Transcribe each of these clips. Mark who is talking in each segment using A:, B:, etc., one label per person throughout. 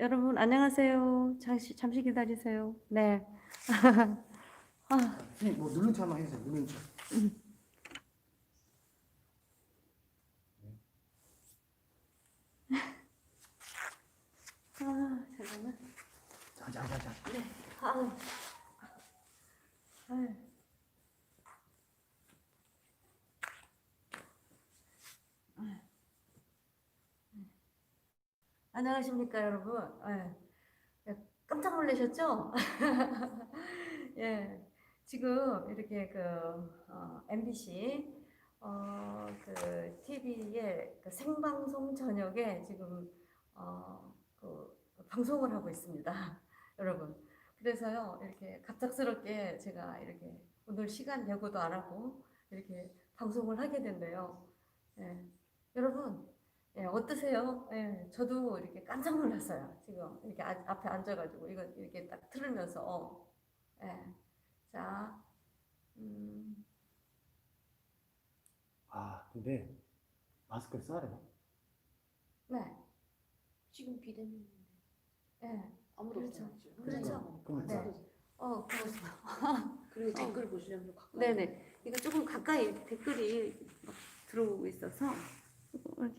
A: 여러분 안녕하세요. 잠시 기다리세요. 네. 아,
B: 선생님 뭐 누른 척 한번 해주세요. 누른 척.
A: 잠깐만.
B: 자자자자.
A: 네. 아유. 아유. 안녕하십니까 여러분. 깜짝 놀라셨죠? 예, 지금 이렇게 MBC TV의 생방송 저녁에 지금 방송을 하고 있습니다, 여러분. 그래서요 이렇게 갑작스럽게 제가 이렇게 오늘 시간 예고도 안 하고 이렇게 방송을 하게 된대요. 예, 여러분. 예, 어떠세요? 예, 저도 이렇게 깜짝 놀랐어요. 지금 이렇게 앞에 앉아가지고 이거 이렇게 딱 들으면서 예, 자,
B: 근데 마스크를 써야 되나?
A: 네,
C: 지금 비대면인데
A: 예,
C: 아무도
A: 그렇죠.
C: 없잖아요.
A: 그렇죠.
B: 그럼
A: 네, 그렇습니다.
C: 그리고 댓글 보시려면 좀 가까이.
A: 네네, 이거 조금 가까이 이렇게 댓글이 막 들어오고 있어서 이렇게.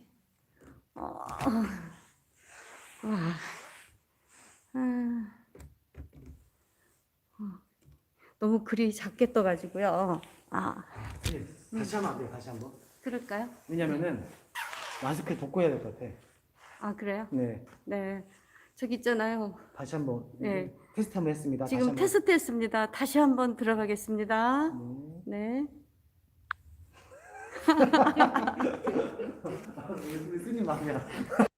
A: 너무 글이 작게 떠가지고요.
B: 선생님 다시 하면 안 돼요. 다시 한번.
A: 그럴까요?
B: 왜냐면은 마스크에 덮고 해야 될 것 같아.
A: 그래요?
B: 네.
A: 네. 저기 있잖아요.
B: 다시 한번.
A: 네.
B: 테스트 한번 했습니다.
A: 지금
B: 다시
A: 테스트 했습니다. 다시 한번 들어가겠습니다.
B: 한번.
A: 네.
B: 스님 마음이야.